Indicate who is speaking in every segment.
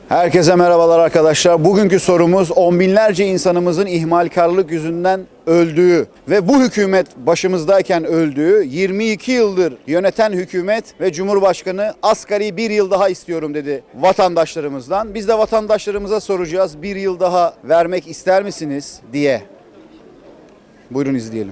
Speaker 1: Herkese merhabalar arkadaşlar. Bugünkü sorumuz on binlerce insanımızın ihmalkarlık yüzünden öldüğü ve bu hükümet başımızdayken öldüğü 22 yıldır yöneten hükümet ve Cumhurbaşkanı asgari bir yıl daha istiyorum dedi vatandaşlarımızdan. Biz de vatandaşlarımıza soracağız, bir yıl daha vermek ister misiniz diye. Buyurun izleyelim.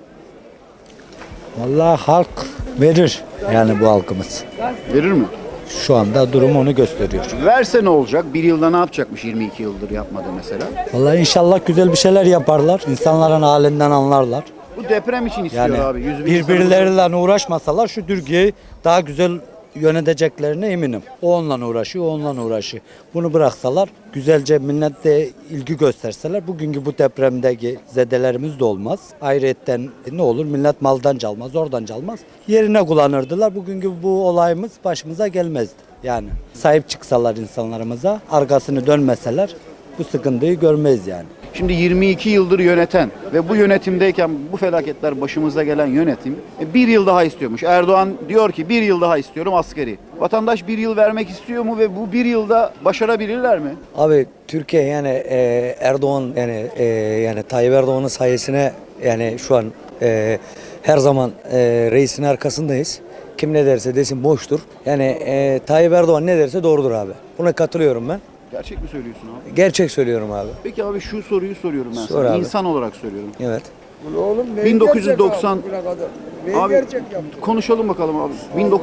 Speaker 2: Vallahi halk verir yani bu halkımız.
Speaker 1: Verir mi?
Speaker 2: Şu anda durum onu gösteriyor.
Speaker 1: Verse ne olacak? Bir yılda ne yapacakmış 22 yıldır yapmadı mesela?
Speaker 2: Vallahi inşallah güzel bir şeyler yaparlar. İnsanların halinden anlarlar.
Speaker 1: Bu deprem için istiyor
Speaker 2: Yani
Speaker 1: abi. 100 bin
Speaker 2: birbirleriyle uğraşmasalar şu Türkiye'yi daha güzel yöneteceklerine eminim. O onunla uğraşıyor, o onunla uğraşıyor. Bunu bıraksalar, güzelce millete ilgi gösterseler bugünkü bu depremdeki zedelerimiz de olmaz. Ayrıyetten ne olur? Millet maldan çalmaz, oradan çalmaz. Yerine kullanırdılar. Bugünkü bu olayımız başımıza gelmezdi. Yani sahip çıksalar insanlarımıza, arkasını dönmeseler bu sıkıntıyı görmeyiz yani.
Speaker 1: Şimdi 22 yıldır yöneten ve bu yönetimdeyken bu felaketler başımıza gelen yönetim bir yıl daha istiyormuş. Erdoğan diyor ki bir yıl daha istiyorum askeri. Vatandaş bir yıl vermek istiyor mu ve bu bir yılda başarabilirler mi?
Speaker 2: Abi Türkiye yani Erdoğan yani Tayyip Erdoğan'ın sayesine yani şu an her zaman reisin arkasındayız. Kim ne derse desin boştur. Yani Tayyip Erdoğan ne derse doğrudur abi. Buna katılıyorum ben.
Speaker 1: Gerçek mi söylüyorsun abi?
Speaker 2: Gerçek söylüyorum abi.
Speaker 1: Peki abi şu soruyu soruyorum ben
Speaker 2: Sor
Speaker 1: sana.
Speaker 2: abi.
Speaker 1: İnsan olarak söylüyorum.
Speaker 2: Evet.
Speaker 3: Oğlum
Speaker 1: 1990
Speaker 3: Neyi
Speaker 1: abi
Speaker 3: gerçek yaptı?
Speaker 1: konuşalım bakalım abi.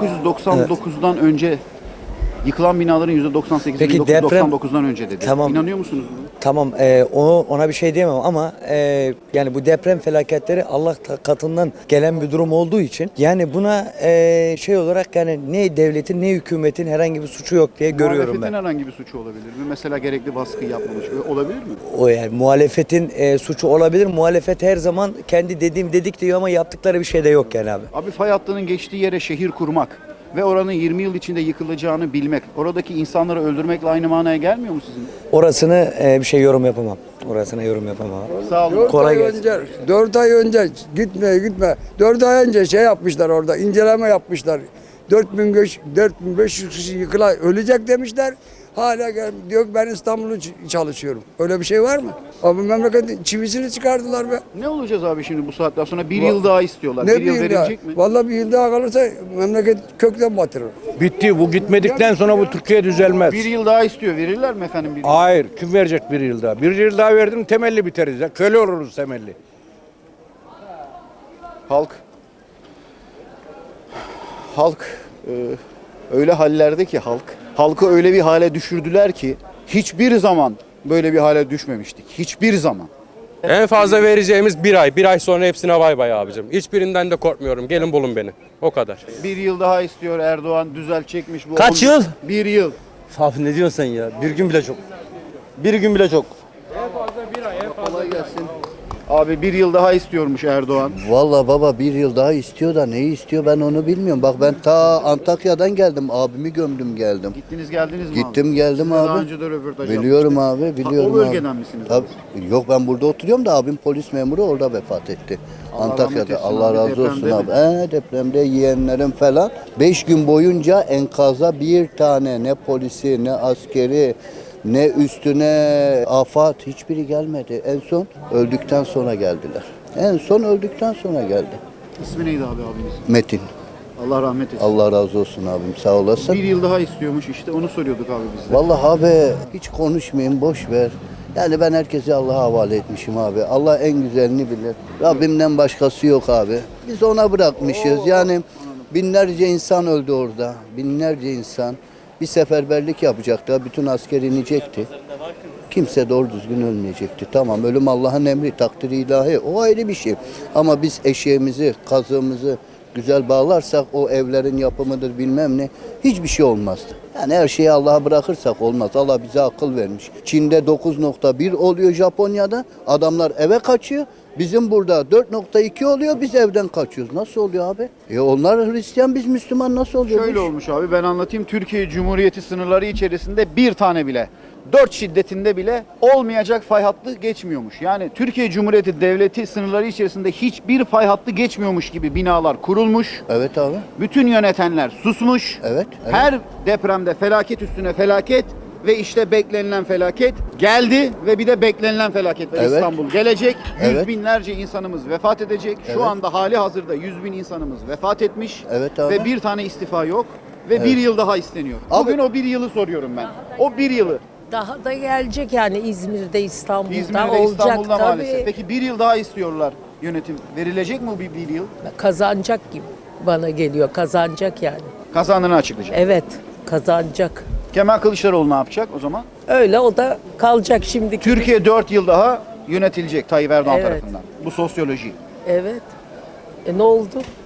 Speaker 1: 1999'dan önce yıkılan binaların %98'i
Speaker 2: Peki
Speaker 1: 1999'dan önce dedi.
Speaker 2: Tamam.
Speaker 1: İnanıyor musunuz buna?
Speaker 2: Tamam ona bir şey diyemem ama yani bu deprem felaketleri Allah katından gelen bir durum olduğu için yani buna şey olarak yani ne devletin ne hükümetin herhangi bir suçu yok diye görüyorum ben.
Speaker 1: Muhalefetin herhangi bir suçu olabilir mi? Mesela gerekli baskı yapmamış. Olabilir mi?
Speaker 2: O yani muhalefetin suçu olabilir. Muhalefet her zaman kendi dedik diyor ama yaptıkları bir şey de yok yani abi.
Speaker 1: Abi fay hattının geçtiği yere şehir kurmak ve oranın 20 yıl içinde yıkılacağını bilmek, oradaki insanları öldürmekle aynı manaya gelmiyor mu sizin?
Speaker 2: Orasını bir şey yorum yapamam. Orasına yorum yapamam.
Speaker 1: Sağ olun.
Speaker 3: 4
Speaker 2: Kolay
Speaker 3: ay
Speaker 2: gelsin.
Speaker 3: önce, 4 ay önce gitme. 4 ay önce şey yapmışlar orada, inceleme yapmışlar. 4500 kişi ölecek demişler. Hala diyor ki ben İstanbul'u çalışıyorum. Öyle bir şey var mı? Abi memleketin çivisini çıkardılar be.
Speaker 1: Ne olacağız abi şimdi bu saatten sonra? Bir yıl daha istiyorlar.
Speaker 3: Ne
Speaker 1: Bir yıl
Speaker 3: bir yıl daha?
Speaker 1: verilecek mi?
Speaker 3: Vallahi bir yıl daha kalırsa memleket kökten batırır.
Speaker 4: Bitti. Bu gitmedikten sonra bu Türkiye düzelmez.
Speaker 1: Bir yıl daha istiyor. Verirler mi efendim bir yıl?
Speaker 4: Hayır. Kim verecek bir yıl daha? Bir yıl daha verdim temelli biteriz ya. Köle oluruz temelli.
Speaker 1: Halk öyle hallerde ki halkı öyle bir hale düşürdüler ki hiçbir zaman böyle bir hale düşmemiştik. Hiçbir zaman.
Speaker 5: En fazla vereceğimiz bir ay. Bir ay sonra hepsine bay bay abicim. Hiçbirinden de korkmuyorum. Gelin bulun beni. O kadar.
Speaker 1: Bir yıl daha istiyor Erdoğan, düzeltecekmiş bu.
Speaker 6: Kaç yıl?
Speaker 1: Bir yıl.
Speaker 6: Abi ne diyorsun sen ya? Bir gün bile çok. Bir gün bile çok.
Speaker 1: Kolay gelsin. Abi bir yıl daha istiyormuş Erdoğan.
Speaker 7: Vallahi baba bir yıl daha istiyor da neyi istiyor ben onu bilmiyorum. Bak ben ta Antakya'dan geldim. Abimi gömdüm geldim.
Speaker 1: Gittiniz geldiniz mi
Speaker 7: Gittim
Speaker 1: abi?
Speaker 7: geldim
Speaker 1: Sizinle Daha
Speaker 7: abi.
Speaker 1: önce de röportaj
Speaker 7: Biliyorum
Speaker 1: yapmıştık.
Speaker 7: abi, biliyorum
Speaker 1: O bölgeden
Speaker 7: abi.
Speaker 1: misiniz?
Speaker 7: Tabii. Yok ben burada oturuyorum da abim polis memuru orada vefat etti.
Speaker 1: Allah rahmet
Speaker 7: Antakya'da.
Speaker 1: etsin
Speaker 7: Allah
Speaker 1: abi,
Speaker 7: razı olsun
Speaker 1: depremde
Speaker 7: abi. Depremde yeğenlerim falan. 5 gün boyunca enkaza bir tane ne polisi ne askeri ne üstüne afat hiçbiri gelmedi. En son öldükten sonra geldiler. En son öldükten sonra geldi.
Speaker 1: İsmi neydi abi abiniz?
Speaker 7: Metin.
Speaker 1: Allah rahmet etsin.
Speaker 7: Allah razı olsun abim sağ olasın.
Speaker 1: Bir yıl daha istiyormuş işte onu soruyorduk abi biz de.
Speaker 7: Vallahi abi hiç konuşmayayım boş ver. Yani ben herkesi Allah'a havale etmişim abi. Allah en güzelini bilir. Rabbimden başkası yok abi. Biz ona bırakmışız. Yani binlerce insan öldü orada. Binlerce insan. Bir seferberlik yapacaktı. Bütün asker inecekti. Kimse doğru düzgün ölmeyecekti. Tamam ölüm Allah'ın emri, takdiri ilahi. O ayrı bir şey. Ama biz eşeğimizi, kazığımızı güzel bağlarsak o evlerin yapımıdır bilmem ne hiçbir şey olmazdı. Yani her şeyi Allah'a bırakırsak olmaz. Allah bize akıl vermiş. Çin'de 9.1 oluyor Japonya'da. Adamlar eve kaçıyor. Bizim burada 4.2 oluyor. Biz evden kaçıyoruz. Nasıl oluyor abi? Onlar Hristiyan biz Müslüman nasıl oluyor?
Speaker 1: Şöyle olmuş abi ben anlatayım. Türkiye Cumhuriyeti sınırları içerisinde bir tane bile 4 şiddetinde bile olmayacak fay hattı geçmiyormuş. Yani Türkiye Cumhuriyeti Devleti sınırları içerisinde hiçbir fay hattı geçmiyormuş gibi binalar kurulmuş.
Speaker 7: Evet abi.
Speaker 1: Bütün yönetenler susmuş.
Speaker 7: Evet.
Speaker 1: Her depremde felaket üstüne felaket ve işte beklenilen felaket geldi ve bir de beklenilen felaket var.
Speaker 7: Evet.
Speaker 1: İstanbul gelecek. Yüz
Speaker 7: Evet.
Speaker 1: binlerce insanımız vefat edecek. Şu
Speaker 7: Evet.
Speaker 1: anda hali hazırda 100 bin insanımız vefat etmiş.
Speaker 7: Evet abi.
Speaker 1: Ve bir tane istifa yok. Ve bir yıl daha isteniyor.
Speaker 7: Abi-
Speaker 1: Bugün o bir yılı soruyorum ben. O bir yılı.
Speaker 8: Daha da gelecek yani İzmir'de, İstanbul'da
Speaker 1: İzmir'de,
Speaker 8: olacak
Speaker 1: İstanbul'da
Speaker 8: tabii.
Speaker 1: maalesef. Peki bir yıl daha istiyorlar yönetim. Verilecek mi o bir yıl?
Speaker 8: Kazanacak gibi bana geliyor. Kazanacak yani.
Speaker 1: Kazandığını açıklayacak.
Speaker 8: Evet, kazanacak.
Speaker 1: Kemal Kılıçdaroğlu ne yapacak o zaman?
Speaker 8: Öyle o da kalacak şimdi.
Speaker 1: Türkiye 4 yıl daha yönetilecek Tayyip Erdoğan
Speaker 8: Evet.
Speaker 1: tarafından. Bu sosyoloji.
Speaker 8: Evet. Ne oldu?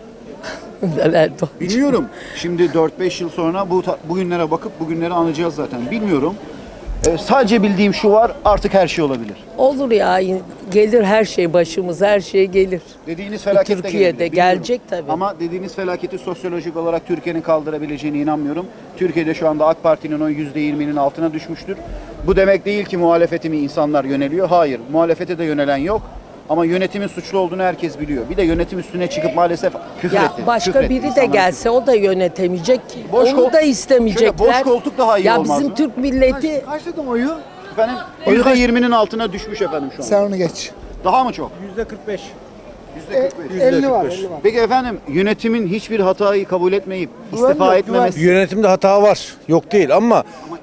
Speaker 8: Neler oldu?
Speaker 1: Bilmiyorum. Şimdi 4-5 yıl sonra bugünlere bakıp bugünleri anlayacağız zaten. Bilmiyorum. Sadece bildiğim şu var, artık her şey olabilir.
Speaker 8: Olur ya, gelir her şey başımıza, her şey gelir.
Speaker 1: Dediğiniz felaket de
Speaker 8: Türkiye'de
Speaker 1: gelebilir, bilmiyorum.
Speaker 8: gelecek tabii.
Speaker 1: Ama dediğiniz felaketi sosyolojik olarak Türkiye'nin kaldırabileceğine inanmıyorum. Türkiye'de şu anda AK Parti'nin o %20'nin altına düşmüştür. Bu demek değil ki muhalefete mi insanlar yöneliyor? Hayır, muhalefete de yönelen yok. Ama yönetimin suçlu olduğunu herkes biliyor. Bir de yönetim üstüne çıkıp maalesef küfür
Speaker 8: Ya
Speaker 1: etti.
Speaker 8: başka
Speaker 1: küfür etti
Speaker 8: biri de
Speaker 1: insanlara.
Speaker 8: gelse o da yönetemeyecek ki.
Speaker 1: Boş
Speaker 8: Onu
Speaker 1: kol-
Speaker 8: da istemeyecekler.
Speaker 1: Şöyle boş koltuk daha iyi
Speaker 8: ya
Speaker 1: olmaz
Speaker 8: bizim
Speaker 1: mı?
Speaker 8: Türk milleti
Speaker 1: Efendim %20'nin altına düşmüş efendim şu an.
Speaker 9: Sen onu geç.
Speaker 1: Daha mı çok?
Speaker 4: %45.
Speaker 1: %45.
Speaker 9: 50 var, 50 var.
Speaker 1: Peki efendim yönetimin hiçbir hatayı kabul etmeyip istifa etmemesi.
Speaker 4: Yönetimde hata var. Yok değil ama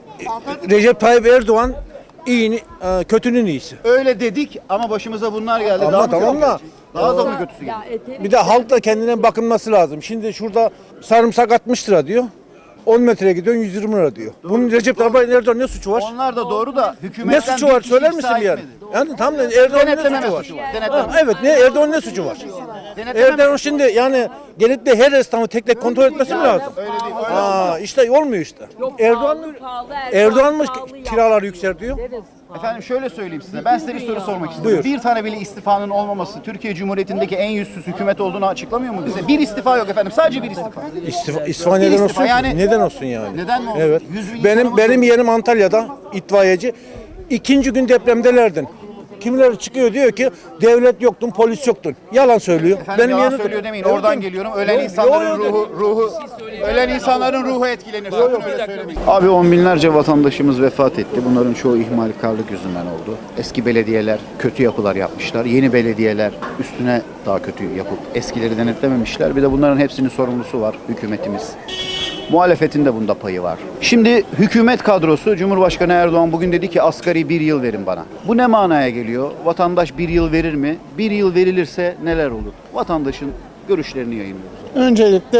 Speaker 4: Recep Tayyip Erdoğan iyinin, kötünün iyisi.
Speaker 1: Öyle dedik ama başımıza bunlar geldi.
Speaker 4: Ama
Speaker 1: Daha mı
Speaker 4: tamam
Speaker 1: kötü
Speaker 4: da-
Speaker 1: gelecek? Daha da mı kötüsü
Speaker 8: Ya
Speaker 1: gelecek?
Speaker 4: Bir de halk da kendine bakınması lazım. Şimdi şurada sarımsak 60 lira diyor. 10 metreye gidiyorsun 120 lira diyor. Bunun Recep Tayyip Erdoğan ne suçu var?
Speaker 1: Onlar da doğru da
Speaker 4: Ne
Speaker 1: hükümetten
Speaker 4: suçu
Speaker 1: bir
Speaker 4: var
Speaker 1: kişi
Speaker 4: söyler
Speaker 1: ifşa
Speaker 4: misin yani?
Speaker 1: etmedi.
Speaker 4: Yani tam Erdoğan'ın ne
Speaker 1: Denetleme
Speaker 4: suçu var?
Speaker 1: suçu var.
Speaker 4: Ha,
Speaker 1: Denetleme.
Speaker 4: evet ne Erdoğan'ın ne suçu var?
Speaker 1: Denetleme
Speaker 4: Erdoğan şimdi yani gelip de her esnafı tek tek kontrol etmesi mi lazım?
Speaker 1: Öyle değil. Öyle
Speaker 4: Aa işte olmuyor işte. Erdoğan mı Erdoğan mı kiraları yükseltiyor?
Speaker 1: Efendim şöyle söyleyeyim size. Ben size bir soru sormak istiyorum.
Speaker 4: Buyur.
Speaker 1: Bir tane bile istifanın olmaması Türkiye Cumhuriyeti'ndeki en yüzsüz hükümet olduğunu açıklamıyor mu bize? Bir istifa yok efendim. Sadece bir istifa.
Speaker 4: İstifa
Speaker 1: Bir
Speaker 4: neden
Speaker 1: istifa,
Speaker 4: olsun ki?
Speaker 1: yani-
Speaker 4: Neden olsun yani?
Speaker 1: Neden mi olsun?
Speaker 4: Evet.
Speaker 1: 100 bin
Speaker 4: Benim
Speaker 1: insanımız
Speaker 4: benim
Speaker 1: var.
Speaker 4: yerim Antalya'da itfaiyeci. İkinci gün depremdelerdin. Kimileri çıkıyor diyor ki devlet yoktun, polis yoktun. Yalan söylüyor.
Speaker 1: Efendim yalan
Speaker 4: yerim-
Speaker 1: söylüyor demeyin.
Speaker 4: Evet,
Speaker 1: Oradan
Speaker 4: evet.
Speaker 1: geliyorum. Ölen
Speaker 4: Yok,
Speaker 1: insanların
Speaker 4: yok, yok.
Speaker 1: ruhu ölen insanların ruhu etkilenir. Sakın öyle söylemeyin. Abi on binlerce vatandaşımız vefat etti. Bunların çoğu ihmalkarlık yüzünden oldu. Eski belediyeler kötü yapılar yapmışlar. Yeni belediyeler üstüne daha kötü yapıp eskileri denetlememişler. Bir de bunların hepsinin sorumlusu var hükümetimiz. Muhalefetin de bunda payı var. Şimdi hükümet kadrosu Cumhurbaşkanı Erdoğan bugün dedi ki asgari bir yıl verin bana. Bu ne manaya geliyor? Vatandaş bir yıl verir mi? Bir yıl verilirse neler olur? Vatandaşın görüşlerini yayınlıyoruz.
Speaker 9: Öncelikle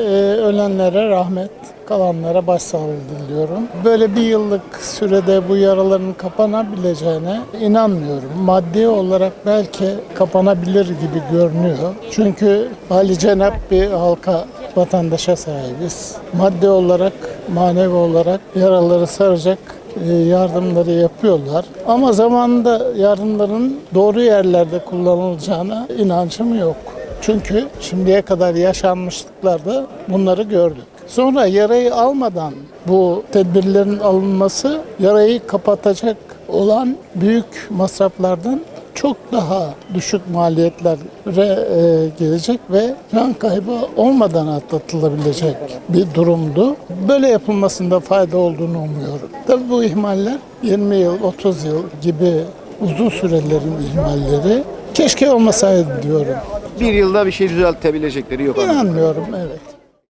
Speaker 9: ölenlere rahmet, kalanlara başsağlığı diliyorum. Böyle bir yıllık sürede bu yaraların kapanabileceğine inanmıyorum. Maddi olarak belki kapanabilir gibi görünüyor. Çünkü hali cenap bir halka, vatandaşa sahibiz. Maddi olarak, manevi olarak yaraları saracak yardımları yapıyorlar. Ama zamanında yardımların doğru yerlerde kullanılacağına inancım yok. Çünkü şimdiye kadar yaşanmışlıklarda bunları gördük. Sonra yarayı almadan bu tedbirlerin alınması yarayı kapatacak olan büyük masraflardan çok daha düşük maliyetlere gelecek ve can kaybı olmadan atlatılabilecek bir durumdu. Böyle yapılmasında fayda olduğunu umuyorum. Tabii bu ihmaller 20 yıl, 30 yıl gibi uzun sürelerin ihmalleri keşke olmasaydı diyorum.
Speaker 1: Bir yılda bir şey düzeltebilecekleri yok.
Speaker 9: İnanmıyorum, evet.